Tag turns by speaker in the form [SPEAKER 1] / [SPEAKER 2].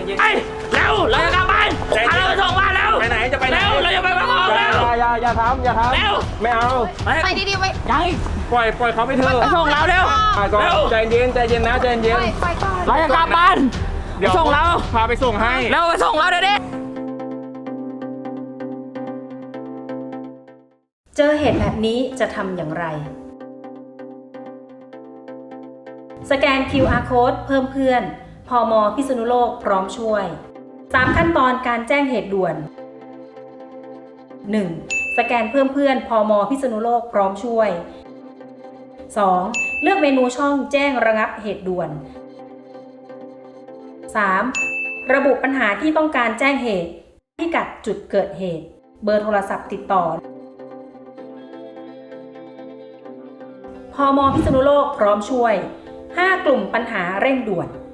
[SPEAKER 1] เย็น
[SPEAKER 2] ไอ้เร็วเราจะกลับบ้านพาเราไปส่งบ้านแล้ว
[SPEAKER 1] ไปไหนจะไปไหน
[SPEAKER 2] เร็วเราจะไปบ้านเร็ว
[SPEAKER 1] อย่าทำ
[SPEAKER 2] เร็ว
[SPEAKER 1] ไม่เอา
[SPEAKER 3] ไปดีๆไป
[SPEAKER 2] ยัง
[SPEAKER 1] ปล่อยเขาไปเถอะ
[SPEAKER 2] ไปส่งเราเร็ว
[SPEAKER 1] ก่อน
[SPEAKER 2] เร็ว
[SPEAKER 1] ใจเย็นนะใจเย็น
[SPEAKER 3] ไปก่อน
[SPEAKER 2] เราจะกลับบ้าน
[SPEAKER 1] เดี๋ยว
[SPEAKER 2] ส่งเรา
[SPEAKER 1] พาไปส่งให้
[SPEAKER 2] เร็วไปส่งเราเดี๋ยวนี้
[SPEAKER 4] เจอเหตุแบบนี้จะทำอย่างไร สแกน QR Code เพิ่มเพื่อนพม.พิษณุโลกพร้อมช่วย 3 ขั้นตอนการแจ้งเหตุด่วน 1. สแกนเพิ่มเพื่อนพม.พิษณุโลกพร้อมช่วย 2. เลือกเมนูช่องแจ้งระงับเหตุด่วน 3. ระบุปัญหาที่ต้องการแจ้งเหตุพิกัดจุดเกิดเหตุ เบอร์โทรศัพท์ติดต่อพม.พิษณุโลกพร้อมช่วย 5 กลุ่มปัญหาเร่งด่วน